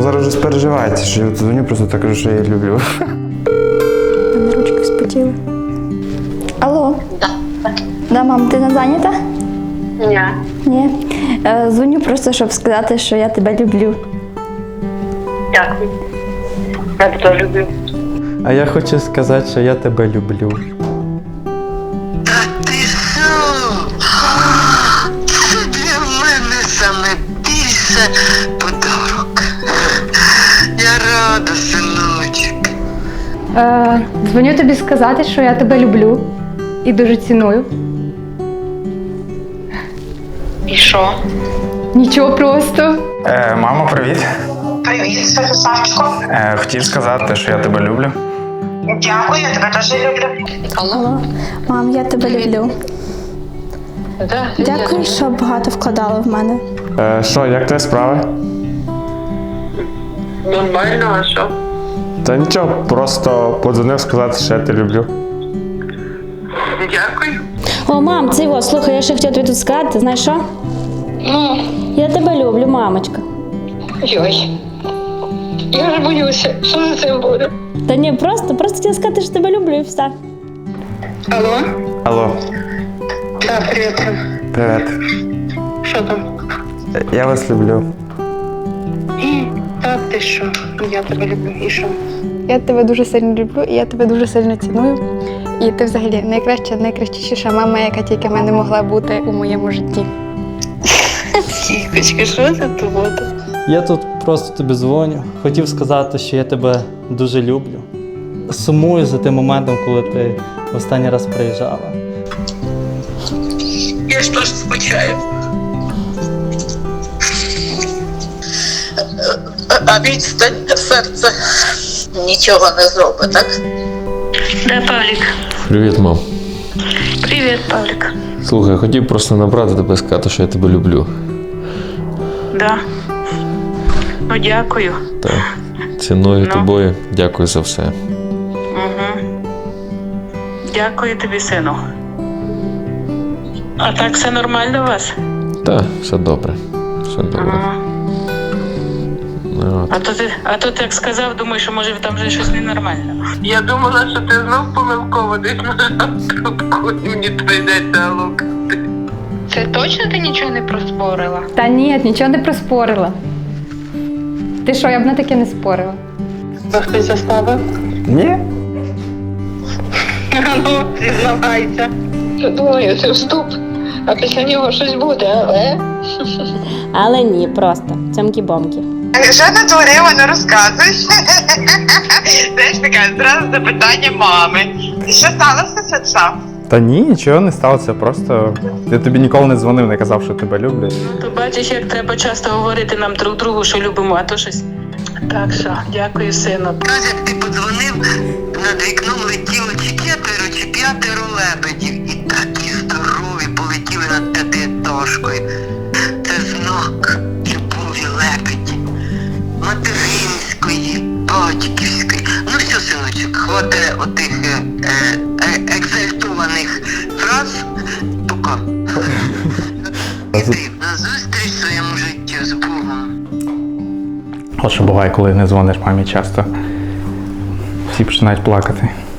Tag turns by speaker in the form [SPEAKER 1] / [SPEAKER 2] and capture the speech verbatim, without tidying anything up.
[SPEAKER 1] Ну зараз вже спереживається, що я дзвоню, просто так кажу, що я її люблю.
[SPEAKER 2] Мене ручки спотіли. Алло?
[SPEAKER 3] Да.
[SPEAKER 2] Да, мам, ти не зайнята?
[SPEAKER 3] Ні.
[SPEAKER 2] Ні. Е, дзвоню просто, щоб сказати, що я тебе люблю.
[SPEAKER 3] Дякую. Я тебе люблю.
[SPEAKER 4] А я хочу сказати, що я тебе люблю.
[SPEAKER 5] Та ти що? Це для мене саме більше подарок. Я рада, синочок.
[SPEAKER 6] Е, дзвоню тобі сказати, що я тебе люблю і дуже ціную.
[SPEAKER 3] І що?
[SPEAKER 6] Нічого просто.
[SPEAKER 1] Е, мамо, привіт.
[SPEAKER 5] Привіт, Святославчику.
[SPEAKER 1] Е, хотів сказати, що я тебе люблю.
[SPEAKER 5] Дякую, я тебе теж люблю.
[SPEAKER 2] Алло? Мам, я тебе люблю.
[SPEAKER 3] Да.
[SPEAKER 2] Дякую, що багато вкладала в мене.
[SPEAKER 1] Е, що, як твої справи?
[SPEAKER 3] Нормально, а що?
[SPEAKER 1] Та нічого, просто подзвонив сказати, що я тебе люблю.
[SPEAKER 5] Дякую.
[SPEAKER 7] О, мам, це його, слухай, я ще хотіла тобі тут сказати, знаєш що?
[SPEAKER 3] Ну,
[SPEAKER 7] Я тебе люблю, мамочка.
[SPEAKER 3] йой. Я ж боюся, що за цим буде.
[SPEAKER 7] Та ні, просто, просто хотіла сказати, що тебе люблю і все.
[SPEAKER 3] Алло?
[SPEAKER 1] Алло,
[SPEAKER 3] Так, привіт.
[SPEAKER 1] привіт.
[SPEAKER 3] Що там?
[SPEAKER 1] Е, Я вас люблю.
[SPEAKER 3] Так, ти що? Я тебе люблю. І що?
[SPEAKER 2] Я тебе дуже сильно люблю і я тебе дуже сильно ціную. І ти взагалі найкраща, найкращіша мама, яка тільки в мене могла бути у моєму житті.
[SPEAKER 3] Тікочки, що це тут?
[SPEAKER 4] Я тут просто тобі дзвоню. Хотів сказати, що я тебе дуже люблю. Сумую за тим моментом, коли ти в останній раз приїжджала.
[SPEAKER 5] Я ж теж скучаю. А відстань серце нічого не зробить, так?
[SPEAKER 3] Де Павлік?
[SPEAKER 8] Привіт, мам.
[SPEAKER 3] Привіт, Павлік.
[SPEAKER 8] Слухай, хотів просто набрати тебе, сказати, що я тебе люблю.
[SPEAKER 3] Да. Ну, дякую.
[SPEAKER 8] Так. Ціную
[SPEAKER 3] Ну.
[SPEAKER 8] тобою. Дякую за все.
[SPEAKER 3] Угу. Дякую тобі, сину. А так все нормально у вас?
[SPEAKER 8] Так, все добре. Все добре.
[SPEAKER 3] Ага.
[SPEAKER 8] Ну,
[SPEAKER 3] А
[SPEAKER 8] от.
[SPEAKER 3] то ти, а то ти як сказав, думаю, що може там вже щось ненормально.
[SPEAKER 5] Я думала, що ти знов помилково десь нажав трубку і мені прийдеться лукати.
[SPEAKER 3] Це точно ти нічого не проспорила?
[SPEAKER 6] Та ні, нічого не проспорила. Ти що, я б на таке не спорила.
[SPEAKER 3] Вас хтось заставив?
[SPEAKER 1] Ні?
[SPEAKER 3] Ну, зізнавайся. Я думаю, це вступ, а після нього щось буде, але...
[SPEAKER 7] Але ні, просто. Цьомкі-бомкі.
[SPEAKER 5] Що натворила, не розказуєш? Знаєш, таке зразу запитання мами. Що сталося, Святослав?
[SPEAKER 1] Та ні, нічого не сталося, просто я тобі ніколи не дзвонив, не казав, що тебе люблю.
[SPEAKER 3] Ну, то бачиш, як треба часто говорити нам друг другу, що любимо, а то щось... Так що, дякую, сину.
[SPEAKER 5] Каже, як ти подзвонив, над вікном летіло чи п'ятеро, чи п'ятеро лебедів. І такі здорові полетіли над п'ятиэтажкою. Це знак любові лебеді. Материнської, батьківської. Ну все, синочок, хватає отих е, е, екзальтованих фраз. Пока. Іди на зустріч своєму життю з Богом.
[SPEAKER 1] От що буває, коли не дзвониш мамі часто. Всі починають плакати.